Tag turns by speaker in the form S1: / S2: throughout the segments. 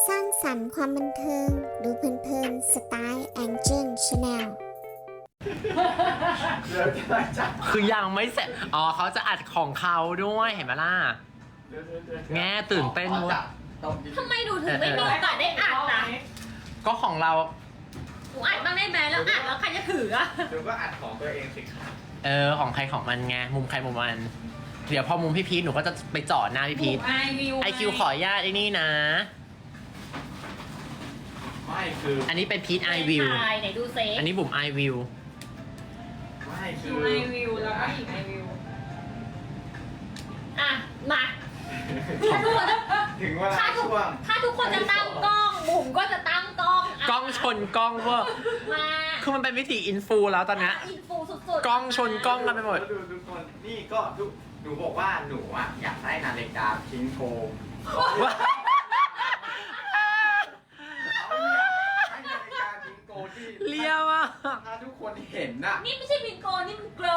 S1: สร้างสรรค์ความบันเทิงดูเพลินๆสไตล์แองเจิลชาแนล
S2: เดี๋ยวจะได้จับ
S3: คือยังไม่เสร็จ อ๋อเขาจะอัดของเขาด้วยเห็นไหมล่ะ แง่ตื่นเต้นเว้ย
S4: ทำไมหนูถึงไม่มีโอกาสได้อ่านนะ
S3: ก็ของเรา
S4: หนูอ่านบ้างได้ไหมแล้วอ่านแล้วใครจะถืออะ
S2: เดี๋ยวก็อัดของตัวเองสิครับ
S3: ของใครของมันไง มุมใครมุมมัน เดี๋ยวพอมุมพี่พีทหนูก็จะไปจอดหน้าพี่พีท ไอคิวขออนุญาตไอ้นี่นะ
S2: ไม่คือ
S3: อันนี้เป็นพีทไอวิว
S4: ไหนดูเซฟ
S3: อันนี้บุ๋มไอวิว
S2: ไม่คือ
S5: ไอวิวแล้วก็อีกไอวิว
S4: อ่ะมาถ้าทุกคนจะ
S2: ถึงเวลา
S4: ถ้าทุก
S2: ช่วง
S4: ถ้าทุกคนจะตั้งกล้องบุ๋มก็จะตั้งกล้องะ
S3: กล้องชนกล้องเวอร์
S4: มา
S3: คือมันเป็นวิธีอินฟูแล้วตอนเนี้ย
S4: อินฟูสุดๆ
S3: กล้องชนกล้องกันไปหมด
S2: ดูทุกคนนี่ก็ทุกหนูบอกว่าหนูอ่ะอยากได้นาฬิกาพิงโกให้นาฬิกาพิงโกที่
S3: เลียวอ่ะ
S2: ถ้าทุกคนเห็นน่ะ
S4: นี่ไม่ใช่บิงโกนี่มันโกล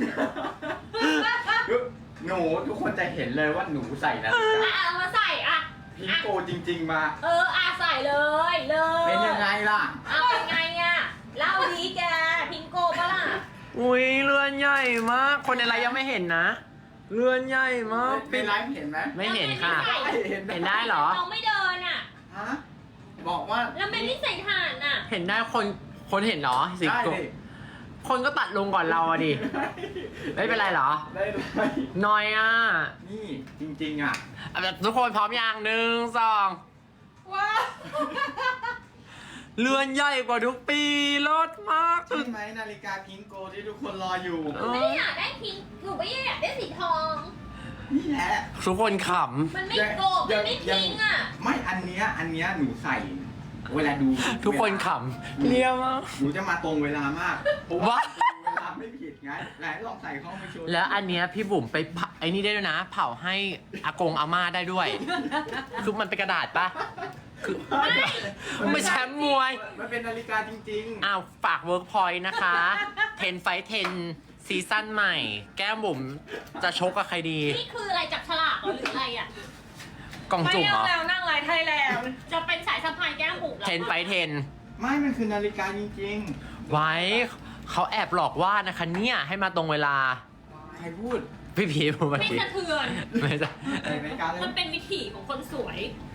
S2: หนูทุกคนจะเห็นเลยว่าหนูใส่นาฬิกา
S4: เอามาใส่อ่ะ
S2: พิงโกจริงๆมา
S4: ใส่เลยเลย
S2: เป็นยังไงล่ะ
S4: เป็นไงอ่ะเล่าดีแกพิงโกปะล่ะ
S3: อุ้ยเรือนใหญ่มาก คนในไลฟ์ยังไม่เห็นนะ เรือนใหญ่มาก
S2: เป็นไลฟ์เห็นไหม
S3: ไม่เห็นค่ะ
S2: ไม่เห็น
S3: เห็นได้เหรอ
S4: เราไม่เดินอ่ะ
S2: ฮะบอกว่า
S4: แล้วเป็นนิสัยถ่านอ่ะ
S3: เห็นได้คนเห็นเหรอสิ
S2: ได้
S3: ก
S2: ดิ
S3: คนก็ตัดลงก่อนเราอะดิ ไม่เป็นไรเหรอ
S2: ได้เลย
S3: น้อยอ่ะ
S2: นี่จริงๆอ่ะ
S3: แบบทุกคนพร้อมอย่างหนึ่งสอง
S5: ว้าว
S3: เรือนใหญ่กว่าทุกปีเลิศมาก
S2: ใช่ไหมนาฬิกาพิงโกที่ทุกคนรออยู่
S4: ไม่ได้อยากได้พิงค์หนูไม่ได้อยากได้สีทอง
S2: นี่แหละ
S3: ทุกคนข
S4: มันไม่โกบมันไม่พิงค์อ่ะ
S2: ไม่อันเนี้ยหนูใส่ เวลาดู
S3: ำทุกคนขำเรียวมาก
S2: หนูจะมาตรงเวลามากเพราะ
S3: ว้า
S2: เวลาไม่ผิดไงไหนลองใส่เข้าไปโชว์
S3: แล้วอันเนี้ยพี่บุ๋มไปเผาไอ้นี่ได้ด้วยนะ เผาให้อากงอาม่าได้ด้วย คือมันเป็นกระดาษปะคือไม่แชมป์มวย
S2: มันเป็นนาฬิกาจริง
S3: อ้าวฝากเวิร์กพอยต์นะคะ 10 Fight 10 ซีซั่นใหม่ แก้มบุ๋มจะชกกับใครดี
S4: นี่คืออะไรจับฉลากเหรอหรืออะไรอ่ะ
S3: กล่อง
S5: ไม่
S3: จุ่มเหรอ
S5: เอาแล้วนั่งไลฟ์ไทยแลนด์
S4: จะเป็นสายสะพายแก้มบุ๋มแล้ว
S3: 10 Fight
S2: ๆ ไม่มันคือนาฬิกาจริง
S3: 10 ไว้เขาแอบหลอกว่านะคะเนี่ยให้มาตรงเวลา
S2: ๆ ใครพูด
S3: พี่พีผม
S4: ไม่
S3: พี่
S4: สะเทือน
S3: ไม่ใช่
S2: ใส่นาฬิกาเลย
S4: มันเป็นวิถีของคนสวย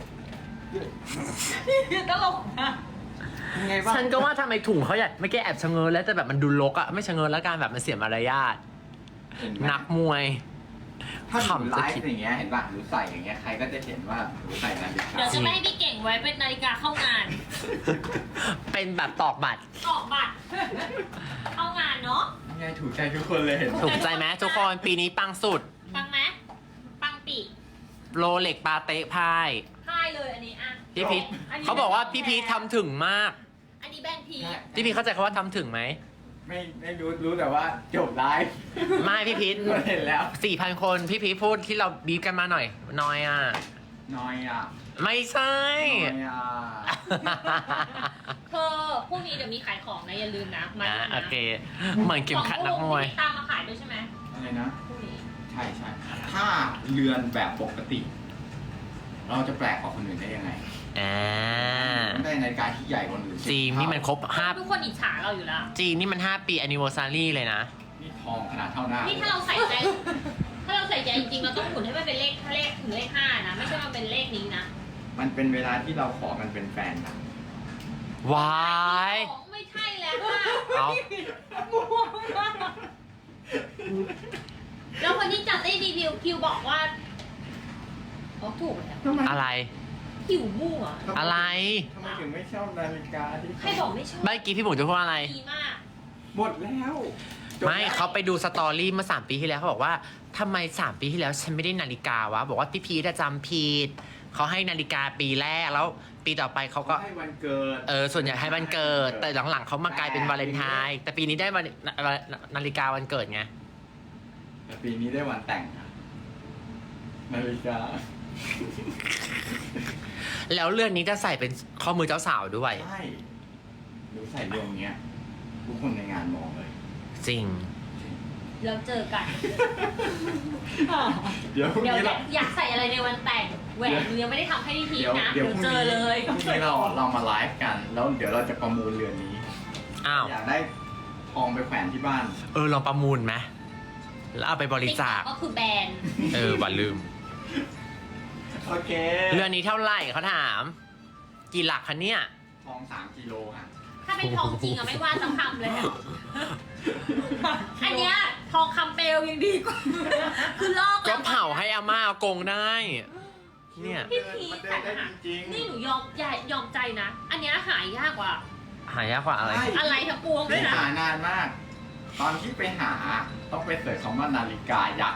S5: ตลกนะ
S2: ยังไงบ้าง
S3: ฉันก็ว่าทำไมถุงเขาใหญ่ไม่แก้แอบชะเง้อแล้วแต่แบบมันดูรกอะไม่ชะเง้อแล้วการแบบมันเสียมารยาท
S2: เห็นไหม
S3: นักมวย
S2: ถ้าหนู
S3: ขำ
S2: ไล
S3: จะ
S2: ฟ์
S3: คิด
S2: อย่างเงี้ยเห็นป่ะหนูใส่อย่างเงี้ยใครก็จะเห็นว่าหนูใส่นาฬิกา
S4: เดี๋ยวจะไม่ให้พี่เก่งไว้เป็นนาฬิกาเข้างาน
S3: เป็นแบบตอกบัตร
S4: ออกบัตร เข้างานเนาะ
S2: ยังไงถูกใจทุกคนเลยเห็น
S3: ถูกใจไหมทุกคนปีนี้ปังสุด
S4: ปังไหมปังปี
S3: โรเล็กปาเต้พาย
S4: พ่ายเลยอันนี้อ่ะ
S3: พี่พีทเขาบอกว่าพี่พีททำถึงมาก
S4: อันนี้แบรนด์พีช
S3: พี่พีทเข้าใจคำว่าทำถึงไหม
S2: ไม่รู้แต่ว่าจบไลฟ์
S3: ไม่พี่พีท
S2: เห็นแล้ว
S3: 4,000 คนพี่พีทพูดที่เราบีบกันมาหน่อยน้อยอ่ะ
S2: น้อยอ่ะ
S3: ไม่ใช่
S2: น้อยอ่ะ
S4: เธอพรุ่งนี้เดี๋ยวมีขายของนะอย่าลืมนะมา
S3: อ่ะ
S4: ดูนะ
S3: โอเค เหมือนเข็มขัดนักมวย
S4: ตามมาขายด้วยใช่ไหม
S2: อะไรนะ
S4: พรุ่งนี้
S2: ใช่ถ้าเรือนแบบปกติ เราจะแปลกกว่าคนอื่นได้ยังไง
S3: อ่า
S2: ได้นาฬิกาที่ใหญ่กว่าคนอื่น
S3: จีนนี่มันครบ
S4: ทุกคนอิจฉาเราอยู่แล้ว
S3: จีนนี่มัน5 ปี anniversary เลยนะ
S2: นี่ทองขนาดเท่าหน้า
S4: นี่ถ้าเราใส่ใจ ถ้าเราใส่ใจจริงๆเราต้องหมุนให้มันเป็นเลขถึงเลข5นะไม่ใช่มันเป็นเลขนี้นะ
S2: มันเป็นเวลาที่เราขอกันเป็นแฟนกัน
S3: วาย
S4: ของไม่ใช่แล้วค่ะ
S3: เอา
S4: แล้วคนที่จัดได้รีวิวคิวบอกว่าอ๋อถูกแล้ว
S2: ทำไม
S3: อะไร
S4: คิวมั่ว
S3: อะไร
S2: ทำไมถึงไม่ชอบนาฬิกาที่
S4: ใครบอกไม่ชอบ
S3: เมื่อกี้พี่บุ๋มจะพูดว่าอะไร
S4: ดีมาก
S2: หมดแล้วจบ
S3: ไม่
S2: แล้ว
S3: เขาไปดูสตอรี่เมื่อ3 ปีที่แล้วเขาบอกว่าทำไม3 ปีที่แล้วฉันไม่ได้นาฬิกาวะ บอกว่าพี่พีทจำผิดเขาให้นาฬิกาปีแรกแล้ว ปีต่อไปเขาก็
S2: ให้วันเกิด
S3: ส่วนใหญ่ให้วันเกิด แต่หลังๆเขามากลายเป็นวาเลนไทน์แต่ปีนี้ได้วันนาฬิกาวันเกิดไง
S2: แต่ปีนี้ได้วันแต่งอะนาฬิกา
S3: แล้วเรือนนี้จะใส่เป็นข้อมือเจ้าสาวด้วย
S2: ใช่หนูใส่เรื่องเนี้ย ทุกคนในงานมองเลย
S3: จริง
S4: แล้วเจอกัน
S2: เดี๋ยวพรุ่ง
S4: เดี๋ยว
S2: นี้เรา
S4: อยากใส่อะไรในวันแต่งแหวนหนูยังไม่ได้ทำให้พี่พีชนะ
S2: เดี๋ยว
S4: เจอเลย
S2: พรุ่งนี้เรามาไลฟ์กัน แล้วเดี๋ยวเราจะประมูลเรือนนี้
S3: อ้าว
S2: อยากได้ทองไปแขวนที่บ้าน
S3: ลองประมูลไหมแล้วเอาไปบริจาค
S4: ก็คือแบรนด์
S3: บ่าลืม
S2: โอเค
S3: เรือนนี้เท่าไหร่เขาถาม กี่หลักคะเนี่ย
S2: ทอง3 กิโลค่ะ
S4: ถ้าเป็นทองจริงอะไม่ว่าสักคำเลยอะอันเนี้ยทองคำเปลวยังดีกว่า คือลอก
S3: ก็เผาให้อาม่าเอากงได้ เนี่ย
S4: พี่พี
S2: มัน
S4: แต่
S2: เดินได้จริงๆ
S4: นี่หนูยอมใจนะ อันเนี้ยหายากกว่า
S3: หายากกว่าอะไร
S2: ใช่
S4: อะไรทั้งปวงด้วยนะ
S2: หานานมาก ตอนที่ไปหาต้องไปเสิร์ชคำว่านาฬิกายักษ์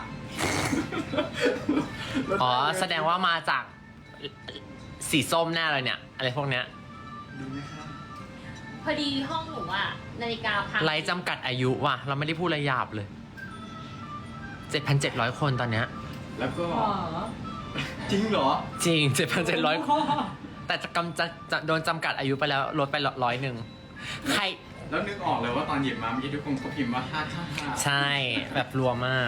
S3: อ๋อ แสดงว่ามาจากสีส้มแน่เลยเนี่ย อะไรพวกเนี้ย
S2: ดูไหมครับ
S4: พอดีห้องหนูอะนาฬิกาพัง
S3: ไร้จำกัดอายุว่ะ เราไม่ได้พูดอะไรหยาบเลย 7,700 คนตอนเนี้ย
S2: แล้วก็
S5: อ๋อ
S2: จริงเหรอ
S3: จริง 7,700 คน แต่จะโดนจำกัดอายุไปแล้วลดไป100ใคร
S2: แล้วนึกออกเลยว่าตอนหยิบมาเมื่อกี้ทุกคนก็พิมพ์ว่า555
S3: ใช่ แบบรัวมาก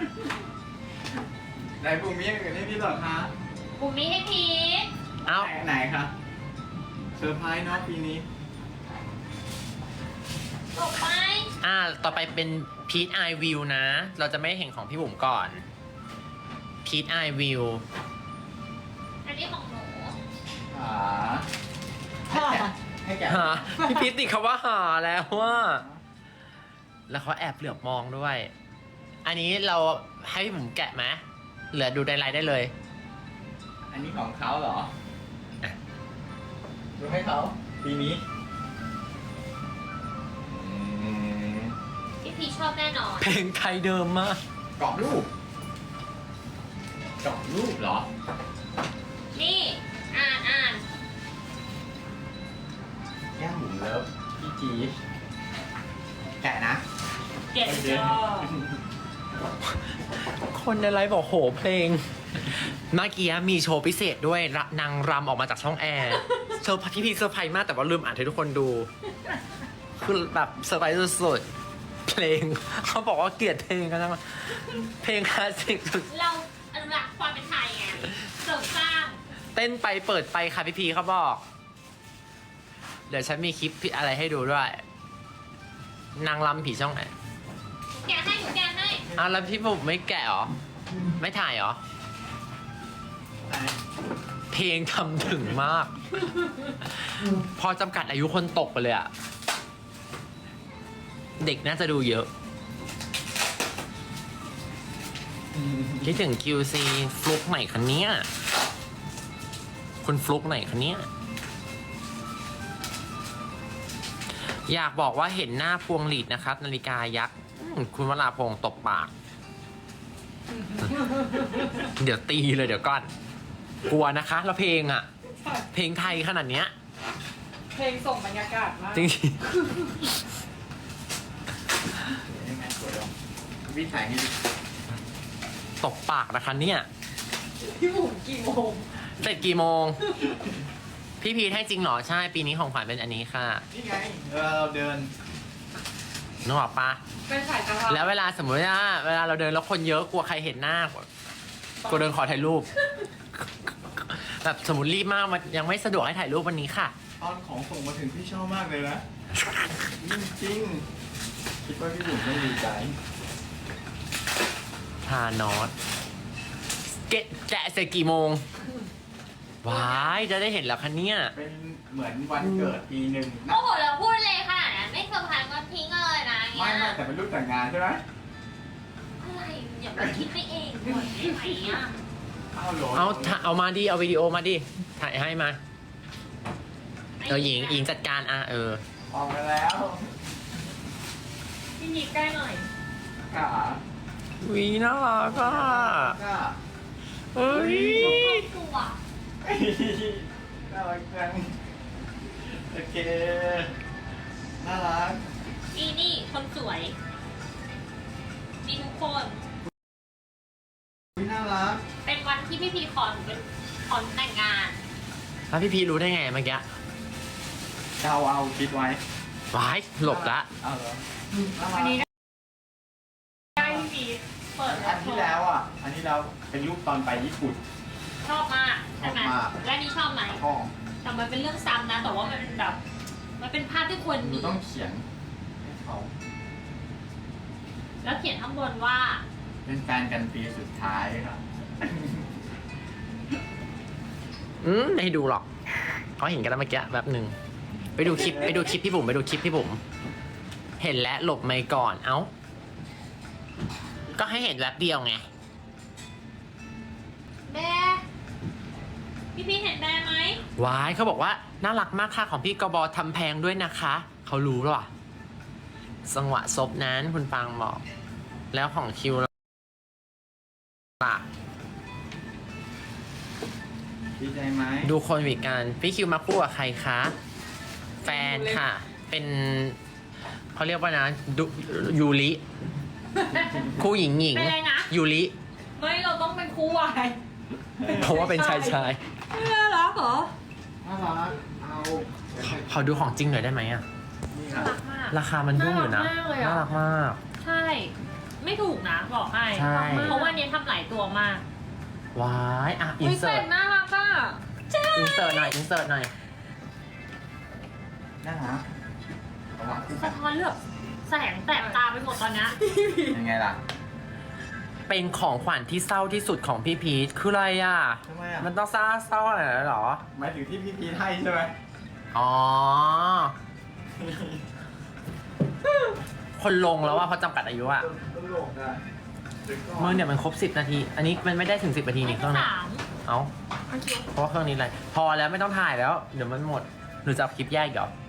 S2: ไหนบุ๋มมีอย่างอื่นให้พี่หรอคะ
S4: บุ๋มมีให้พีช
S3: เอ้า
S2: ไหนคะเซอร์ไพรส์เนาะปีนี้
S4: ต่อไป
S3: ต่อไปเป็นพีทไอวิวนะ เราจะไม่เห็นของพี่บุ๋มก่อนพีทไอวิว
S4: อันนี้ของหนู
S2: ให้แกะ
S3: หาพี่พีทติดคำว่าหาแล้วว่า แล้วเขาแอบเหลือบมองด้วย อันนี้เราให้พี่บุ๋มแกะไหมเหลือดูในไลน์ได้เลย
S2: อันนี้ของเขาเหรอ
S3: อ่ะ
S2: ดูให้เขาปีนี้
S4: พี่พีชชอบแน่นอน
S3: เพลงไทยเดิมมาก
S2: กรอบรูปกรอบรูปเหรอ
S4: นี่ อ่าน
S2: แก้มบุ๋มเลิฟพี่จีดแกะนะ
S4: เก็บ
S5: เออ
S3: คนในไลฟ์บอกโหเพลง เมื่อกี้มีโชว์พิเศษด้วยนางรำออกมาจากช่องแอร์เซอร์ไพรส์พี่พีเซอร์ไพรส์มากแต่ว่าลืมอ่านให้ทุกคนดู คือแบบเซอร์ไพรส์สุดๆเพลง เขาบอกว่าเกลียดเพลงกันนะเพลงคลาสสิกสุด
S4: เราอนุรักษ์ความเป็นไทยไงเสริมสร้าง
S3: เต้นไปเปิดไปค่ะพี่พีเขาบอก เดี๋ยวฉันมีคลิปอะไรให้ดูด้วย นางรำผีช่องแอร์
S4: แกะให้หนูแกะให้
S3: แล้วพี่บุ๋มไม่แกะเหรอ ไม่ถ่ายเหรอ
S2: ไหน
S3: เพลงทำถึงมาก พอจำกัดอายุคนตกไปเลยอะเด็กน่าจะดูเยอะ คิดถึง QC ฟลุกไหนคะเนี้ยคุณฟลุกไหนคะเนี้ยอยากบอกว่าเห็นหน้าพวงหลีดนะครับ นาฬิกายักษ์คุณวราพงศ์ตบปาก เดี๋ยวตีเลยเดี๋ยวก่อน กลัวนะคะ แล้วเพลงอะเพลงไทยขนาดเนี้ย
S5: เพลงส่งบรรยากาศมาก
S3: จริง
S2: ยังไงสวยลงวิถ่ายให้ดู
S3: ๆตบปากนะคะเนี่ย
S5: พี่บุ๋มกี่โมง
S3: เสร็จกี่โมง พี่พีทให้จริงเหรอ ใช่ ปีนี้ของขวัญเป็นอันนี้ค่ะ
S2: นี่ไงเราเดิน
S3: นึกออกปะ
S5: เป็นสายกะเพรา
S3: แล้วเวลาสมมติว่าเวลาเราเดินแล้วคนเยอะกลัวใครเห็นหน้ากลัวเดินขอถ่ายรูป แบบสมมติรีบมากมันยังไม่สะดวกให้ถ่ายรูปวันนี้ค่ะ
S2: ตอนของส่งมาถึงพี่ชอบมากเลยนะจริงๆคิดว่าพี่บุ๋มต้องดีใจ
S3: ทานอสแกะเสร็จกี่โมง ว้ายจะได้เห็นแล้วคะเนี่ย
S2: เป็นเหมือนวันเกิดปีหนึ่งนะ
S4: โอ้โหเราพูดเลยขนาดนั้นไม่เซอร์ไพรส์วันทิ้งเลยนะเงี้
S2: ไม่
S4: ย
S2: ไม่แต่เป็นรูปแต่งงานใช่ไหม
S4: อะไรอย่าไปคิดไปเองก่อนได้ไหมอ่ะ
S2: อ้าวเหรอ
S3: เอามาดิเอาวิดีโอมาดิถ่ายให้มาหญิงจัดการเออ
S2: ออกมาแล้ว
S5: พี่นิดใกล้หน่อย
S2: ขา
S3: วีน่ารักอ่ะ
S2: ก็
S3: เฮ้ย
S4: ตัว
S2: น่ารักจังโอเคน่ารัก
S4: นี่คนสวยมีทุกคน
S2: น่ารัก
S4: เป็นวันที่พี่พีขอหนูเป็นขอหนูแต่งงาน
S3: แล้วพี่พีรู้ได้ไงเมื่อกี้
S2: เอาคิดไว้
S3: ว้ายหลบละ
S2: เอาเหรอน่ารั
S5: อัน
S2: ก
S5: นี้ได้ปิด
S2: อันที่แล้วอ่ะ อันที่แล้วเป็นรูปตอนไปญี่ปุ่น
S4: ชอบมากใช่ไหม
S2: ชอบมาก
S4: และนี่ชอบไหม
S2: ห้อง
S4: แต่มันเป็นเรื่องซ้ำนะ แต่ว่ามันแบบ มันเป็นภาพที่ควร
S2: หนู
S4: มี
S2: ต้องเขียนให้เขา
S4: แล้วเขียนข้างบนว่า
S2: เป็นแฟนกันปีสุดท้ายครับ
S3: ไม่ให้ดูหรอกเขาเห็นกันแล้วเมื่อกี้แบบหนึ่งไปดูคลิปพี่บุ๋มเห็นแล้วหลบไม่ก่อน เอ้า ก็ให้เห็นแวบเดียวไง
S4: แม่พี่เห็นแม่ไหม
S3: วายเขาบอกว่าน่ารักมากค่ะของพี่กบทำแพงด้วยนะคะ เขารู้หรอจังหวะซบนั้นคุณปังบอก แล้วของคิวล่ะ
S2: ดีใจไหม
S3: ดูคนวิกันพี่คิวมาคู่กับใครคะ แฟนค่ะ เป็นเขาเรียกว่านะยูริ คู่หญิง
S4: เป็นอะไรนะ
S3: ยูริ
S5: ไม่เราต้องเป็นคู่วาย
S3: เพราะว่าเป็นชาย
S5: น่ารักเหรอ
S2: น่ารักเอา
S3: ขอดูของจริงหน่อยได้ไหมอะ
S2: นี่ค
S4: น่า
S2: รับ
S4: รักมาก
S3: ราคามันยุ่งอยู่นะ
S5: น่ารักมากเลยอะ
S3: น่ารักมาก
S4: ใช่ ไม่ถูกนะบอกให้
S3: ใช่
S4: เพราะว่าเนี้ยทำหลายตัวมาก
S3: วายอ่ะอิน
S5: อุ้ย
S3: เสิ
S5: เป็
S3: ร์ต
S5: ดน่ารักอ่ะ
S3: อินเสิร์ตหน่อย
S2: น่ารักระวังคู่กั
S4: สะ
S2: น
S4: ท้อนเลือกแสงแตกตาไปหมดตอนเนี้ย
S2: ยังไงล่ะ
S3: เป็นของขวัญที่เศร้าที่สุดของพี่พีทคืออะไรอ่ะ
S2: ทำไมอ่ะ
S3: มันต้องเศร้าอะไรหรอ
S2: หมายถึงที่พี่พีทให้ใช่ไหม
S3: อ๋อ คนลงแล้วว่าเพราะจำกัดอายุอ่ะ
S2: ตลกอ่ะ
S3: เมื่อเนี่ยมันครบ10 นาที อันนี้มันไม่ได้ถึง10 นาทีนี่เครื่องนี้
S4: สาม
S3: เอ้าเพราะว่าเครื่องนี้อะไร พอแล้วไม่ต้องถ่ายแล้ว เดี๋ยวมันหมด หรือจะเอาคลิปแยกอีกเหรอ